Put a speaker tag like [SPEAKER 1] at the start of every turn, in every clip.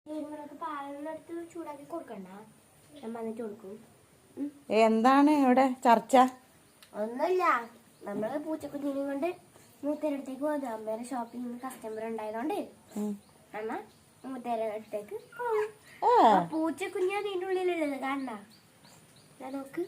[SPEAKER 1] എന്താണ് ഇവിടെ ചർച്ച?
[SPEAKER 2] ഒന്നുമില്ല, നമ്മള് പൂച്ചക്കുഞ്ഞിനെയും കൊണ്ട് മൂത്തേരടുത്തേക്ക് പോകുന്നത്. അമ്മേടെ ഷോപ്പിൽ നിന്ന് കസ്റ്റമർ ഉണ്ടായതുകൊണ്ട് അമ്മ മൂത്തേരടുത്തേക്ക് പോകും. പൂച്ചക്കുഞ്ഞ് അതിന്റെ ഉള്ളിലുള്ളത് കാണണ്ട, നോക്ക്.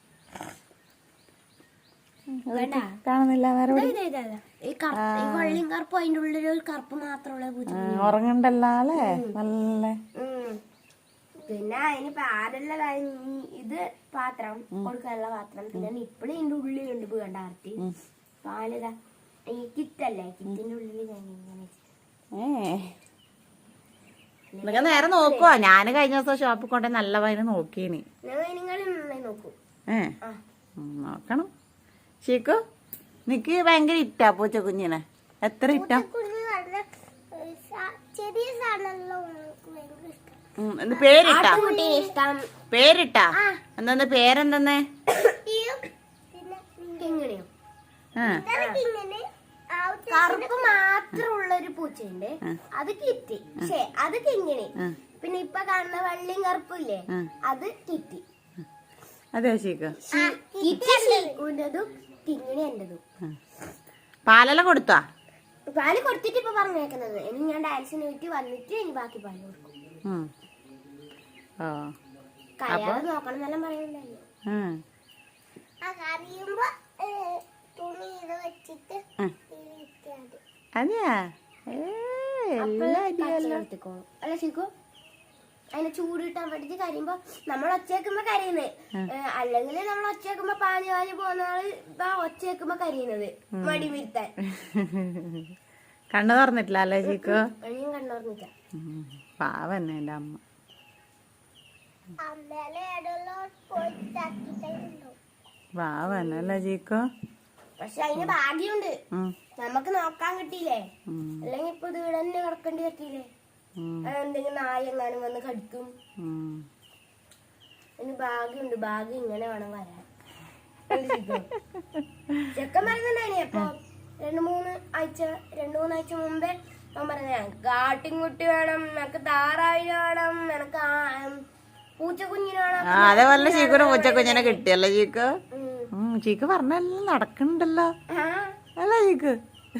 [SPEAKER 1] കാണുന്നില്ല.
[SPEAKER 2] ഈ വെള്ളിയും കറുപ്പും അതിന്റെ ഉള്ളിൽ ഒരു കറുപ്പ് മാത്രമുള്ള പൂച്ച
[SPEAKER 1] ഉറങ്ങണ്ടല്ലോ അല്ലേ? നല്ല.
[SPEAKER 2] പിന്നെ അതിന് പാലുള്ള ഇത് പാത്രം കൊടുക്കാനുള്ള പാത്രം. പിന്നെ നിപ്പിള് ഇതിന്റെ ഉള്ളിലുണ്ട് വേണ്ട ആർത്തി പാലിതാ. ഈ കിറ്റല്ലേ, കിറ്റിന്റെ ഉള്ളിൽ ഞാൻ
[SPEAKER 1] ഇങ്ങനെ നേരെ നോക്കുവാ. ഞാന് കഴിഞ്ഞ ദിവസം ഷോപ്പിൽ കൊണ്ടേ നല്ല വൈന് നോക്കീനി.
[SPEAKER 2] നോക്കൂ.
[SPEAKER 1] നോക്കണം. ഷീക്കു നിക്ക് ഭയങ്കര ഇറ്റാ പൂച്ചക്കുഞ്ഞിനെ. എത്ര ഇറ്റാ? പേരിട്ടാ? പേരിട്ടാ? എന്താ പേരെന്തെന്നേ?
[SPEAKER 2] കറുപ്പ് മാത്രമുള്ള ഒരു പൂച്ചയുണ്ട്, അത് കിറ്റി. പക്ഷേ അത് കിങ്ങിണി. പിന്നെ ഇപ്പൊ കാണുന്ന വെള്ളിയും കറുപ്പില്ലേ, അത് കിറ്റി.
[SPEAKER 1] അതെ ഷീക്കു.
[SPEAKER 2] കിറ്റി ഷീക്കുൻ്റെതും കിങ്ങിണി എന്റെതും.
[SPEAKER 1] പാലെല്ലാം കൊടുത്താ?
[SPEAKER 2] പാല് കൊടുത്തിട്ട് ഇപ്പൊ പറഞ്ഞേക്കുന്നത്. ഇനി ഞാൻ ഡാൻസിന് പോയിട്ട് വന്നിട്ട് ഇനി ബാക്കി പാല് കൊടുക്കും. കരയാതെ നോക്കണം എന്നെല്ലാം പറയുന്നുണ്ടല്ലോ.
[SPEAKER 1] അതെയാ?
[SPEAKER 2] അല്ല ശിക്കു, അതിനെ ചൂടിട്ടാൻ വേണ്ടിട്ട് കരയുമ്പോ നമ്മൾ ഒച്ചേക്കുമ്പോ കരയുന്നത്. അല്ലെങ്കിൽ നമ്മൾ ഒച്ചേക്കുമ്പോ പാഞ്ഞു പാഞ്ഞു പോകുന്നയാള് ഒച്ചേക്കുമ്പോ കരയുന്നത് മടി വരുത്താൻ.
[SPEAKER 1] കണ്ണു തുറന്നിട്ടില്ല അല്ലേ ചീക്കോ?
[SPEAKER 2] ഞാൻ കണ്ണു തുറന്നില്ല.
[SPEAKER 1] പാവന്നെ എന്റെ അമ്മ. പാവന്നല്ലേ ചീക്കോ?
[SPEAKER 2] പക്ഷെ അതിന് ഭാഗ്യമുണ്ട്, നമുക്ക് നോക്കാൻ കിട്ടിയില്ലേ. അല്ലെങ്കിൽ ഇപ്പൊ ഇത് ഇവിടെ തന്നെ കിടക്കേണ്ടി പറ്റിയില്ലേ. എന്തെങ്കിലും നായ എങ്ങാനും വന്ന് കടിക്കും. അതിന് ഭാഗ്യമുണ്ട്. ഭാഗ്യം ഇങ്ങനെ വേണം വരാൻ. ചെക്കൻ പറയുന്നുണ്ടായിനി അപ്പൊ രണ്ടു മൂന്ന് ആഴ്ച മുമ്പേ അവൻ പറഞ്ഞ കാട്ടിൻകുട്ടി വേണം, എനക്ക് താറാവിന് വേണം, എനക്ക് പൂച്ചക്കുഞ്ഞിന് വേണം.
[SPEAKER 1] അതേപോലെ ചീക്കുന് പൂച്ചക്കുഞ്ഞിനെ കിട്ടിയല്ലോ ചീക്ക്. ചീക്ക് പറഞ്ഞെല്ലാം നടക്കണ്ടല്ലോ അല്ല ചീക്ക്?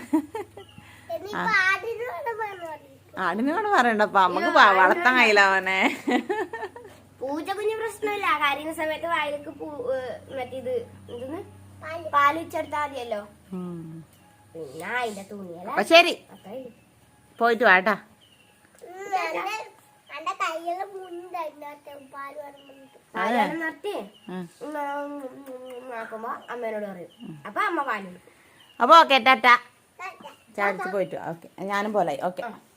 [SPEAKER 1] ആടിനോട് പറയണ്ടപ്പ നമുക്ക് വളർത്താൻ കഴിയില്ല അവനെ.
[SPEAKER 2] പൂച്ചക്കുഞ്ഞ് പ്രശ്നമില്ല, കരയുന്ന സമയത്ത് വായിലേക്ക് മറ്റേത് എന്തെന്ന് പാല് വെച്ചെടുത്താ മതിയല്ലോ. പിന്നെ അതിന്റെ തുണിയല്ല.
[SPEAKER 1] അപ്പൊ ശരി, പോയിട്ട് വാട്ടാ.
[SPEAKER 2] നിർത്തി നോക്കുമ്പോ അമ്മേനോട് പറയും. അപ്പൊ അമ്മ പാല് കൊടുക്കും.
[SPEAKER 1] അപ്പൊ ഓക്കെ ടാറ്റ. ചാടിച്ച് പോയിട്ട് ഓക്കെ. ഞാനും പോലെ ഓക്കെ.